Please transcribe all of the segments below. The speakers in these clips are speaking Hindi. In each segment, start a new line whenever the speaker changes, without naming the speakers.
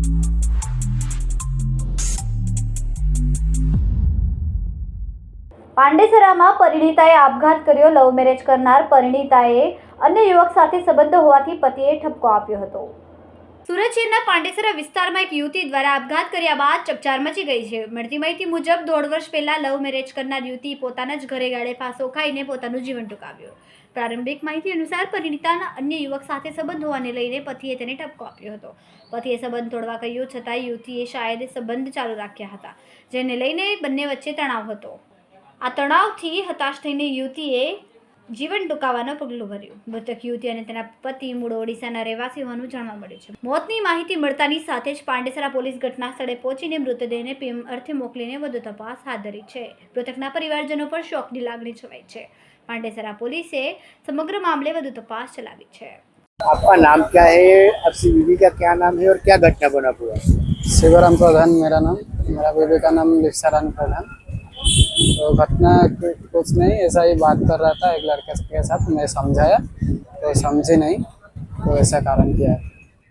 પાંડેસરામાં પરિણીતાએ આપઘાત કર્યો। લવ મેરેજ કરનાર પરિણીતાએ અન્ય યુવક સાથે સંબંધ હોવાથી પતિએ ઠપકો આપ્યો હતો। સુરત શહેરના પાંડેસરા વિસ્તારમાં એક યુવતી દ્વારા આપઘાત કર્યા બાદ ચકચાર મચી ગઈ છે। મળતી માહિતી મુજબ 1.5 વર્ષ પહેલા લવ મેરેજ કરનાર યુવતી પોતાના જ ઘરે ગાળે ફાંસો ખાઈને પોતાનું જીવન ટૂંકાવ્યું। પ્રારંભિક માહિતી અનુસાર પરિણીતાના અન્ય યુવક સાથે સંબંધ હોવાને લઈને પતિએ તેને ઠપકો આપ્યો હતો। પતિએ સંબંધ તોડવા કહ્યું છતાં યુવતીએ શાયદ સંબંધ ચાલુ રાખ્યા હતા, જેને લઈને બંને વચ્ચે તણાવ હતો। આ તણાવથી હતાશ થઈને યુવતીએ જીવન ટૂંકાવવાનું પગલું ભર્યું। મૃતક યુવતી અને તેના પતિ મૂળ ઓડિશાના રહેવાસી હોવાનું જાણવા મળ્યું છે। મોતની માહિતી મળતાની સાથે જ પાંડેસરા પોલીસ ઘટના સ્થળે પહોંચીને મૃતદેહને પીએમ અર્થે મોકલીને વધુ તપાસ હાથ ધરી છે। મૃતકના પરિવારજનો પર શોકની લાગણી છવાઈ છે। પાંડેસરા પોલીસે समग्र मामले વધુ તપાસ ચલાવી છે।
आपका नाम क्या है? आपकी बीवी का क्या नाम है और क्या घटना बना पूरा?
शिवराम प्रधान मेरा नाम, मेरा बीवी का नाम लिप्सारानी प्रधान। तो घटना कुछ नहीं, ऐसा ही बात कर रहा था एक लड़के के साथ, मैं समझाया तो समझी नहीं, तो ऐसा कारण किया है।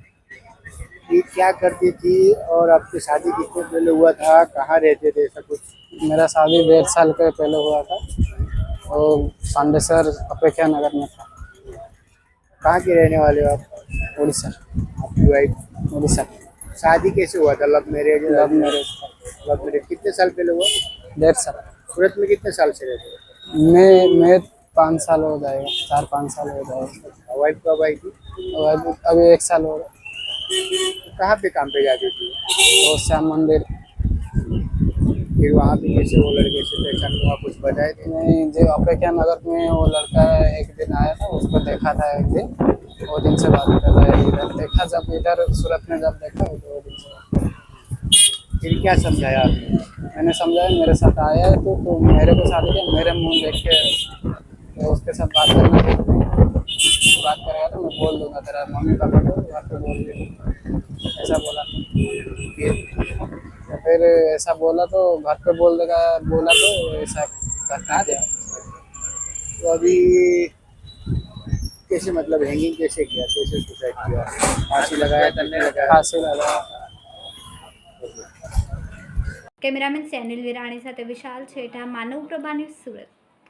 ये क्या करती थी और आपकी शादी कितने पहले हुआ था? कहाँ रहते थे? ऐसा कुछ?
मेरा शादी 1.5 साल के पहले हुआ था, वो पांडेसर अपेक्षा नगर में था।
कहाँ के रहने वाले हो आप?
उड़ीसा।
आपकी वाइफ?
उड़ीसा।
शादी कैसे हुआ था? Love marriage?
Love marriage.
Love marriage कितने साल पहले हुआ?
1.5 साल।
सूरत में कितने साल से रहते हो?
मैं 5 साल हो जाएगा, 4-5 साल हो जाएगा।
वाइफ कब आई थी?
अभी 1 साल हो गया।
कहाँ पे काम पे जाती थी?
तो श्याम मंदिर।
फिर वहाँ पे कैसे वो लड़के से पहचान हुआ, कुछ बताए थे?
नहीं, जो अपेक्षा नगर में वो लड़का एक दिन आया था, उसको देखा था एक दिन, वो दिन से बात कर रहा है। इधर देखा, जब इधर सूरत में जब देखा तो वो दिन से
फिर क्या समझाया आपने?
मैंने समझाया, मेरे साथ आया है तो मेरे को शादी किया, मेरे मुंह देख के तो उसके साथ बात करना है। बात करेगा तो मैं बोल दूंगा तेरा मम्मी पापा को घर पे बोल दूंगा, ऐसा बोला। तो फिर ऐसा बोला तो घर पे बोल देगा, बोला तो ऐसा करना है।
तो अभी कैसे, मतलब हैंगिंग कैसे किया, कैसे सुसाइड किया? फांसी लगाया, तन्ने लगाया?
फांसी लगा।
કેમેરામેન સેનિલ વિરાણી સાથે વિશાલ છેઠા, માનવ પ્રભા ન્યૂઝ, સુરત।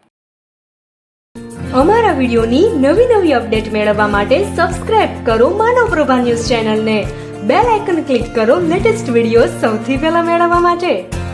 અમારા વિડિયોની નવી નવી અપડેટ મેળવવા માટે સબસ્ક્રાઇબ કરો માનવ પ્રભા ન્યૂઝ ચેનલને, બેલ આઇકન ક્લિક કરો લેટેસ્ટ વિડિયો સૌથી પહેલા મેળવવા માટે।